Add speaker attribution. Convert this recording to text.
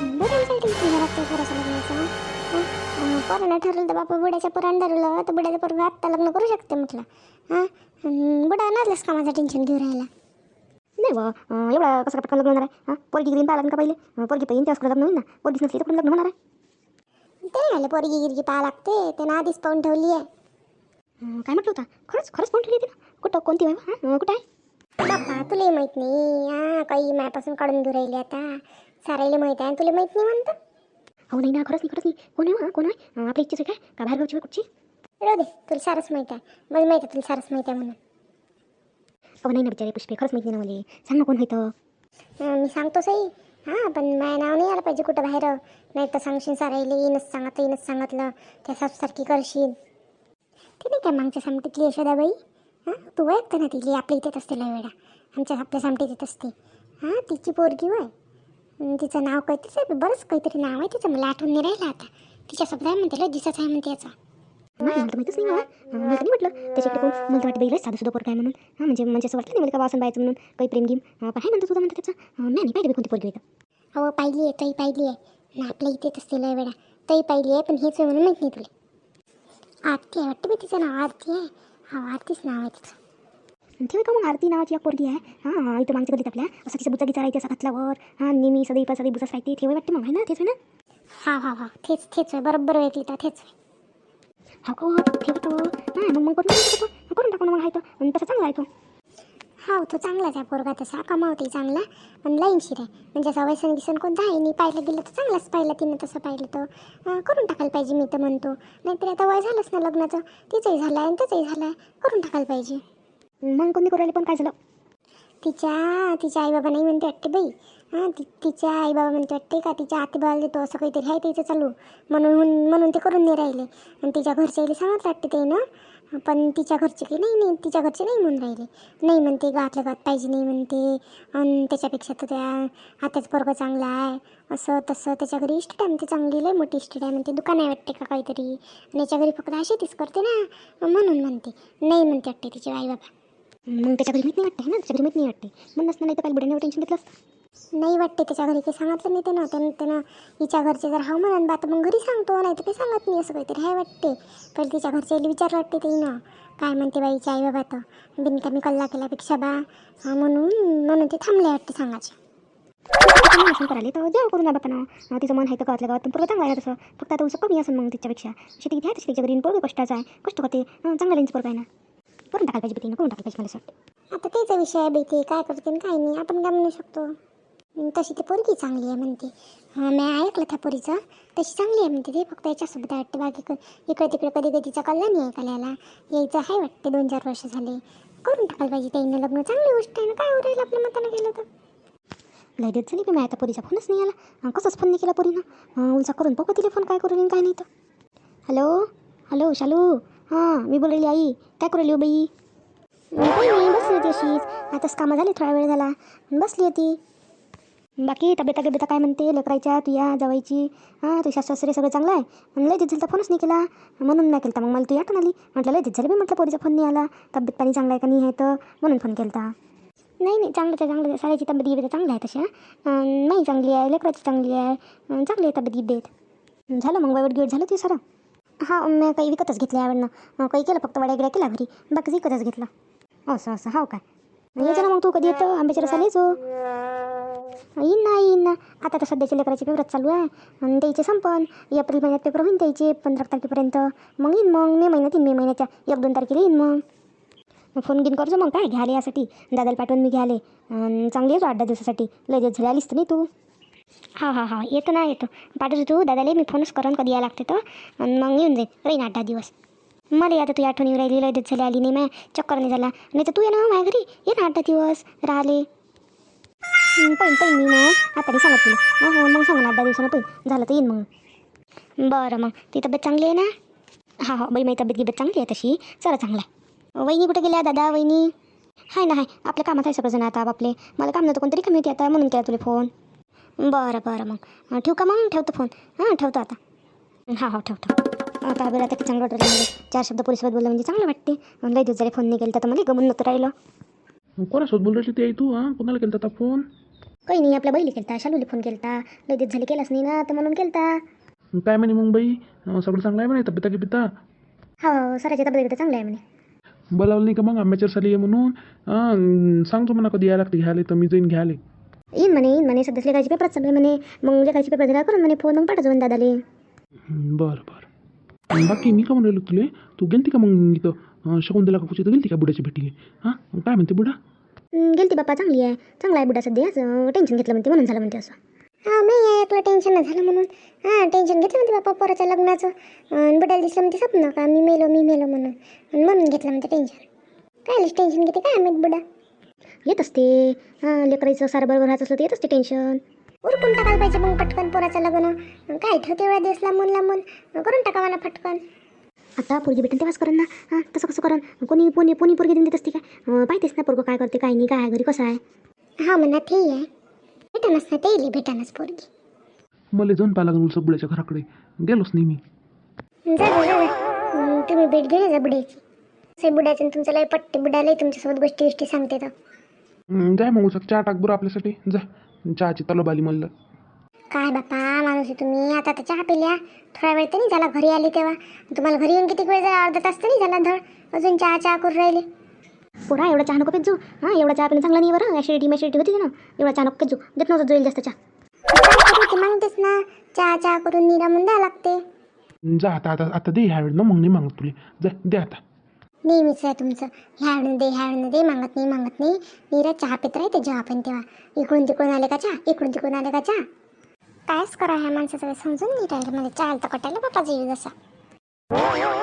Speaker 1: बुड्यांचं tension घ्यावं लागतं पोराचं लग्नाचं. पोरानं ठरवलं तर बापा बुड्याच्या पोरानं ठरवलं तर बुड्याचं पोरगं आत्ता लग्न करू शकते म्हटलं. हां बुडा नसलंच कामाचं टेन्शन घेऊन राहिला.
Speaker 2: नाही बा एवढा कसं पटकन लग्न होणार आहे? पोरगी ग्रीन पाहिला का पहिले? पोरगी पाहिजे त्याच लग्न होईल ना. पोरगीच नसली तर कुठं लग्न होणार आहे?
Speaker 1: ते नाही आले पोरगी गिरगी पाहा लागते त्यानं आधीच पाहून ठेवली आहे.
Speaker 2: काय म्हटलं होता? खरंच खरंच पाहून ठेवली होती ना? कुठं कोणती बाई कुठं आहे?
Speaker 1: बाप्पा तुलाही माहीत नाही. काही मायापासून काढून घेऊन राहिली आता. सारायला माहीत आहे तुला माहीत नाही म्हणतं.
Speaker 2: हो नाही ना खरंच नाही कोण आहे कोण आहे? आपल्या इच्छेच आहे काय का बाहेर गावची कुठची?
Speaker 1: राहू दे तुला सारच माहीत आहे. मला माहीत आहे तुला सारच माहीत आहे म्हणून.
Speaker 2: अहो नाही ना बिचारे पुष्पे खरंच माहिती नाही ना मला. सांग ना कोण होतं?
Speaker 1: मी सांगतो सही. पण माझं नाव नाही आलं पाहिजे कुठं बाहेर. नाही तर सांगशील सारायला येणंच सांगितलं त्या सासूसारखी करशील. ते नाही काय मागच्या सामटीतली यशोदाबाई. तू ऐकतं ना तिली आपल्या इथेच असते लय वेळा आपल्या सामटीत येत असते. तिची पोरगी वय. तिचं नाव काहीतरीच आहे बरंच काहीतरी नाव आहे तिचं मला आठवण नाही राहिलं आता. तिच्यासोबत आहे म्हणते लय दिसत आहे म्हणते याचा.
Speaker 2: नाही मला माहितीच नाही मला नाही म्हटलं त्याच्याकडे कोण मला वाटतं बाईला साधं सुद्धा पोर काय म्हणून. म्हणजे असं वाटलं नाही मला का वासन बायचं म्हणून काही प्रेम घेऊन पण आहे म्हणतो तुझा म्हणतं त्याचं नाही पाहिजे कोणती पोरगी येतं.
Speaker 1: हो पाहिली आहे तई पाहिली आहे ना आपल्या इथेच असते लय वेळा. तई पाहिली आहे पण हेच आहे म्हणून माहीत नाही तुला. आरती आहे वाटतं बाई तिचं नाव आरती आहे. आरतीच नाव आहे तिचं.
Speaker 2: ठेव का मग आरती नावाची एक पोरगी आहे. इथं मागच्या गलीत आपल्या असं तिचं बुचा राहते असं घातल्यावर नेहमी सदैव बुचाच राहते ठेवाय वाटते मग आहे ना तेच आहे ना.
Speaker 1: तेच आहे बरोबर आहे तिथं तेच आहे.
Speaker 2: हो ठेवतो नाही मग करून टाकू ना मग आहे तो तसं चांगला आहे तो.
Speaker 1: तो चांगलाच आहे पोरगा तसा कमावते चांगला. पण लाईनशीर आहे म्हणजे असं वैसन गिसन कोणतं आहे नाही. पाहिलं गेलं तर चांगलाच पाहिलं तिनं तसं पाहिलं तर करून टाकायला पाहिजे मी तर म्हणतो. नाहीतर आता वय झालंच ना लग्नाचं. तिचंही झालं आहे आणि त्याचंही झालं आहे करून टाकायला पाहिजे.
Speaker 2: मग कोणी करायला पण काय झालं?
Speaker 1: तिच्या आईबाबा नाही म्हणते वाटते बाई. तिच्या आईबाबा म्हणते वाटते का तिच्या आतेबाबाला देतो असं काहीतरी आहे त्याचं चालू. म्हणून ते करून नाही राहिले. आणि तिच्या घरच्याला सांगत वाटते ते ना. पण तिच्या घरचे काही नाही तिच्या घरचे नाही म्हणून राहिले. नाही म्हणते गावातल्या गावात पाहिजे नाही म्हणते. आणि त्याच्यापेक्षा तर त्या आत्याचं पोरगं चांगला आहे असं तसं. त्याच्या घरी इस्टेट आहे म्हणते चांगली लय मोठी इस्टेट आहे म्हणते. दुकान आहे वाटते का काहीतरी. आणि याच्या घरी फक्त शेतीच करते ना म्हणून म्हणते. नाही म्हणते वाटते तिचे आईबाबा.
Speaker 2: मग त्याच्या घरी माहीत नाही वाटते ना त्याच्या घरी माहीत नाही वाटते म्हणूनच नाही तर काही बुड्याने टेन्शन घेतलं
Speaker 1: नाही वाटते त्याच्या घरी काही सांगितलं नाही त्यानं हिच्या घरचे जर हा म्हणून बात मग घरी सांगतो नाही तर काही सांगत नाही असं काहीतरी आहे वाटते. पहिले तिच्या घरच्याला विचारलं वाटते ते ना काय म्हणते बाईच्या आई बाबा तर बिनकामी कल्ला केल्यापेक्षा म्हणून ते थांबले वाटते सांगायचे.
Speaker 2: करायला तर जेव्हा करून बापानं तिचं मन आहे तर गावातल्या गावात पण पूर्ण चांगलं आहे तसं. फक्त आता उसं कमी असेल मग तिच्यापेक्षा शेती घ्या तशी तिच्या घरी पोरं कष्टाचं आहे कष्ट करते चांगला रेंज पोरं आहे ना. करून टाकायला पाहिजे तिनं करून टाकायला पाहिजे मला वाटतं.
Speaker 1: आता त्याचा विषय आहे बाई ते काय करते आणि काय नाही आपण काय म्हणू शकतो. तशी ती पोरगी चांगली आहे म्हणते. मी ऐकलं त्या पोरीचं तशी चांगली आहे म्हणते. ते फक्त याच्यासोबत आहे वाटते बाकी इकडे तिकडे कधी कधीचा कल्ला नाही आहे कल्याला यायचं आहे वाटते 2-4 वर्ष झाले. करून टाकायला पाहिजे त्याईनं लग्न चांगली गोष्ट आहे ना. काय होईल आपल्या मतानं केलं तर.
Speaker 2: लय देत झाली मी आता पोरीचा फोनच नाही आला. कसंच फोन नाही केला पोरीनं. उलचा करून बघू तिला फोन काय करून काय नाही तर. हॅलो शालू मी बोललेली आई काय करू राहिली हो बाई? काही नाही बसली होती अशीच. आताच कामं झाली थोडा वेळ झाला बसली होती. बाकी तब्येता काय म्हणते लेकरायच्या तुया जावायची? तुझ्या सासू सासरे सगळं चांगलं आहे? आणि लय दिवस झालं तर फोनच नाही केला म्हणून नाही केला. मग मला तुझी आठवण आली म्हटलं लय दिवस झालं मी म्हटलं पोरीचा फोन नाही आला. तब्येत पाणी चांगला आहे का नाही आहे तर म्हणून फोन केला. नाही चांगलं साऱ्याची तब्येत गिबेत चांगली आहे तशा. नाही चांगली आहे लेकराची चांगली आहे चांगली आहे तब्येत गिबेत. झालं मग वाईट गिवट झालं ते सारं? मी काही विकतच घेतलं यावेळेनं. काही केलं फक्त वड्या केला घरी बाकी विकतच घेतलं. असं हो काय यायचं ना मग तू कधी येतं आंब्याच्या रसाला यायचो. येईन ना आता तर सध्याच्या लेकराचे पेपरच चालू आहे आणि द्यायचे संपन. एप्रिल महिन्यात पेपर होईन द्यायचे 15 तारखेपर्यंत. मग येईन मग मे महिन्याच्या 1-2 तारखेला येईन मग फोन घेऊन करजो मग काय घ्यायला यासाठी दादाला पाठवून मी घ्यायले चांगली येतो 8-10 दिवसासाठी. लय दिवस झाले आलीस तर नाही तू. हा येतो पाठवतो तू दादाला मी फोनच करून कधी यायला लागते तर मग येऊन जाईन राहीन 8-10 दिवस. मला आता तू आठवण येऊ राहिली लय दिवस झाले आली नाही मॅ चक्कर नाही झाला. नाही तर तू ये ना माझ्या घरी ये ना 8-10 दिवस राहिले. पहिन मी मग आता नाही सांगत तुला. मग सांगा ना 8-10 दिवसानं पहिन झालं तर येईन मग. बरं मग ती तब्येत चांगली आहे ना? बाई माझी तब्येत गिबेत चांगली आहे तशी चला चांगला आहे. वहिनी कुठे गेल्या दादा वहिनी? हाय ना आपल्या कामात आहे सगळंजण आता आपले. मला काम नव्हतं कोणतरी कमी होती आता म्हणून केला तुला फोन. बरं मग ठेवू का मग? ठेवतो फोन. ठेवतो आता. ठेवतो आता बरं आता की चांगलं वाटलं म्हणजे 4 शब्द पोलीसोबत बोललं म्हणजे चांगलं वाटते. लय दिवस झाले फोन नाही केला तर मला गमून नव्हतं राहिलं.
Speaker 3: कोणासोबत बोल राहिली ती आई तू? कोणाला केला होता फोन?
Speaker 2: काही नाही, आपल्या बैली केलता, शालूला फोन केलता, लय दिवस झाले केलाच नाही ना, तर म्हणून केलता.
Speaker 3: काय म्हणे मग बाई, सगळं चांगलं आहे म्हणे, तब्येता की पिता
Speaker 2: हो, सराच्या तब्येत चांगलं आहे म्हणे.
Speaker 3: बोलावलं नाही का मग आंब्याच्या साली आहे म्हणून? सांगतो म्हणा कधी यायला लागते घ्यायला, तर मी जाईन घ्यायला.
Speaker 2: येईन म्हणे सध्या लेखायचे पेपर चालू आहे म्हणे, मग लेखायचे पेपर झाला करून म्हणे फोन, मग पाठवतो म्हणे दादाले.
Speaker 3: बरं बरं. बाकी मी का म्हणलो तुले, तू गेलती का मग इथं शकुंतला काकूची तर गेलती का बुड्याची भेटीले? हां काय म्हणते बुडा?
Speaker 2: गेलती बाप्पा, चांगला आहे बुडा सध्या, टेन्शन घेतलं म्हणते म्हणून झालं म्हणते असं.
Speaker 1: हा नाही ऐकलं टेन्शन न झालं म्हणून. हां टेन्शन घेतलं म्हणते बाप्पा पोराच्या लग्नाचं. बुडाला दिसलं म्हणते स्वप्न का मी मेलो म्हणून, आणि म्हणून घेतलं म्हणते टेन्शन. काय टेन्शन घेते काय माहीत बुडा.
Speaker 2: येत असते, लेकराचं सारं बरोबर राहत असलं तर येत असते टेन्शन.
Speaker 1: उरकून टाकायला पाहिजे मग पटकन पोराचं लग्न. काय ठेवते एवढ्या दिवस लांबून करून टाकावा ना पटकन.
Speaker 2: आता पोरगी भेटेन तेव्हाच करण ना, हां तसं कसं करण, कोणी पोरगी देऊन देत असते काय, पाहतेस ना पोरगं काय करते काय नाही, काय आहे घरी कसं आहे.
Speaker 1: हा म्हणा ते आहे, भेटानच ना ते येईल भेटानच पोरगी.
Speaker 3: मला जाऊन पाहा लागून उलसा बुड्याच्या घराकडे, गेलोच नाही मी.
Speaker 1: जा तुम्ही भेट घेऊन जा बुड्याची. से बुड्याचं आणि तुमचं लय पट्टे बुडालंय तुमच्यासोबत गोष्टी सांगते तर.
Speaker 3: जाय मग उलसा चहा टाक बरं आपल्यासाठी, जा चहाची तलब आली म्हणलं.
Speaker 1: काय बापा माणूस आहे तुम्ही. आता तर चहा पिल्या, थोडा वेळ तर नाही झाला घरी आली तेव्हा. तुम्हाला घरी येऊन किती वेळ झाला, अर्धा तास तर नाही झाला धड, अजून चहा करून राहिले.
Speaker 2: पोरा एवढा चहा नको पेत जो, हां एवढा चहा पिणं चांगला नाही बरं, ॲसिडिटी होती ना, एवढा चहा नको पेत जो, देत नव्हतं जोईल जास्त चहा.
Speaker 1: मागतेस ना चहा करून निरा म्हणून द्यावं लागते.
Speaker 3: जा आता आता आता दे ह्या वेळ ना, मग नाही मागत तुले, जा दे आता.
Speaker 1: नेहमीच आहे तुमचं, ह्यावेळेनं दे मागत नाही. निरा चहा पित राहते जेव्हा पण तेव्हा. इकडून तिकडून आले का चहा, कायच करा ह्या माणसाचं समजून नाही राहिलं. मला चहा तर कटायला बापा जीव जसा.